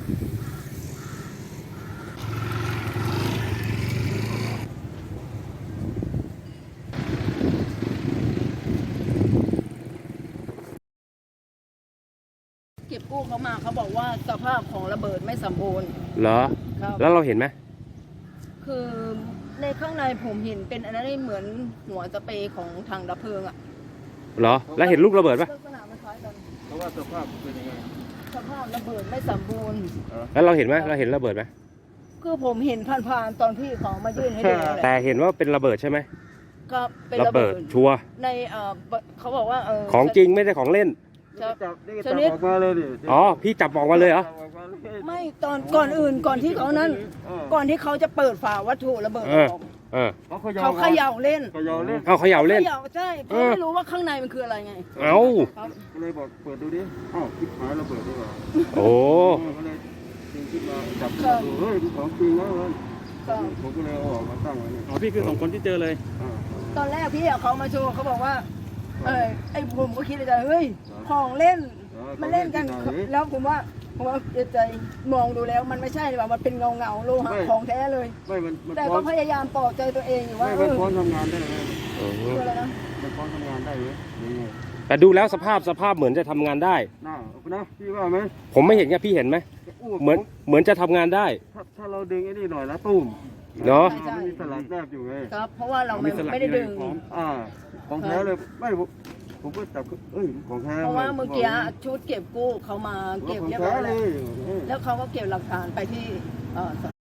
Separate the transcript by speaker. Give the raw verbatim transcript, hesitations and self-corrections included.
Speaker 1: เก็บกู้เขามาเขาบอกว่าสภาพของระเบิดไม่สมบูรณ์
Speaker 2: เหรอ
Speaker 1: ครับ
Speaker 2: แล้วเราเห็นไหม
Speaker 1: คือในข้างในผมเห็นเป็นอันนั้นเหมือนหัวสเปรย์ของทางดับเพลิงอะ
Speaker 2: เหรอแล้วเห็นลูกระเบิดปะ
Speaker 1: ลักษณะมันคล้ายกัน
Speaker 3: เพราะว่าสภาพเป็นยังไง
Speaker 1: สภาพระเบิดไม่สมบูรณ์
Speaker 2: แล้วเราเห็นไหมเราเห็นระเบิดไหม
Speaker 1: คือผมเห็นผ่านๆตอนที่เขามายื่นให้ดูแหละ
Speaker 2: แต่เห็นว่าเป็นระเบิดใช่ไหม
Speaker 1: ก็เป็น
Speaker 2: ระเบิดชัวร์
Speaker 1: ในเอ่อเขาบอกว่าเออ
Speaker 2: ของจริงไม่ใช่ของเล่น
Speaker 3: ชนิดออกมาเลยดิ
Speaker 2: อ๋อพี่จับออกมาเลยเหรอ
Speaker 1: ไม่ตอนก่อนอื่นก่อนที่เขานั้นก่อนที่เขาจะเปิดฝาวัตถุระเบิดออก
Speaker 2: เออ
Speaker 1: เขาเขย่าเล่น
Speaker 3: เขย่าเล่น
Speaker 2: เอาเขย่าเล่น
Speaker 1: ใช่เพราะไม่รู้ว่าข้างในมันคืออะไรไง
Speaker 2: เอา
Speaker 3: เลยบอกเปิดดูดิอ้าวคิดหายระเบิดดีกว่า
Speaker 2: โอ้
Speaker 3: ก็เลยดึงขึ้นมาจับดูเฮ้ยของจริงแล้วเลยผมก็เลยเอาออกมาตั้งไว้นี่
Speaker 4: อ๋อพี่คือสองคนที่เจอเลย
Speaker 1: ตอนแรกพี่เขามาโชว์เขาบอกว่าเออไอ้ผมก็คิดในใจเฮ้ยของเล่นมาเล่นกันแล้วผมว่าผมว่าใจมองดูแล้วมันไม่ใช่เลยว่ามันเป็นเงาเงาโลหะของแท้เลยแต่ก็พยายามปลอบใจตัวเองอยู่ว่า
Speaker 3: เออมันพร้อมทำงานได้เลย
Speaker 1: คืออะไรนะ
Speaker 3: มันพร้อมทำงานได้เลย
Speaker 2: แต่ดูแล้วสภาพสภาพเหมือนจะทำงานได้
Speaker 3: น่านะพี่ว่าไหม
Speaker 2: ผมไม่เห็นไงพี่เห็นไหมเหมือนเหมือนจะทำงานได้
Speaker 3: ถ้าเราดึงไอ้นี่หน่อยนะตุ้ม
Speaker 2: เนาะ
Speaker 3: มันมีสลักแนบอยู่ไง
Speaker 1: ครับเพราะว่าเราไม่ได้ดึง
Speaker 3: อ่าของแท้เลยไม่ผมก็จับเอ้ยของแท้
Speaker 1: เพราะว่าเมื่อกี้ชุดเก็บกู้เขามาเก็บเรียบร้อยแล้วแล้วเขาก็เก็บหลักฐานไปที่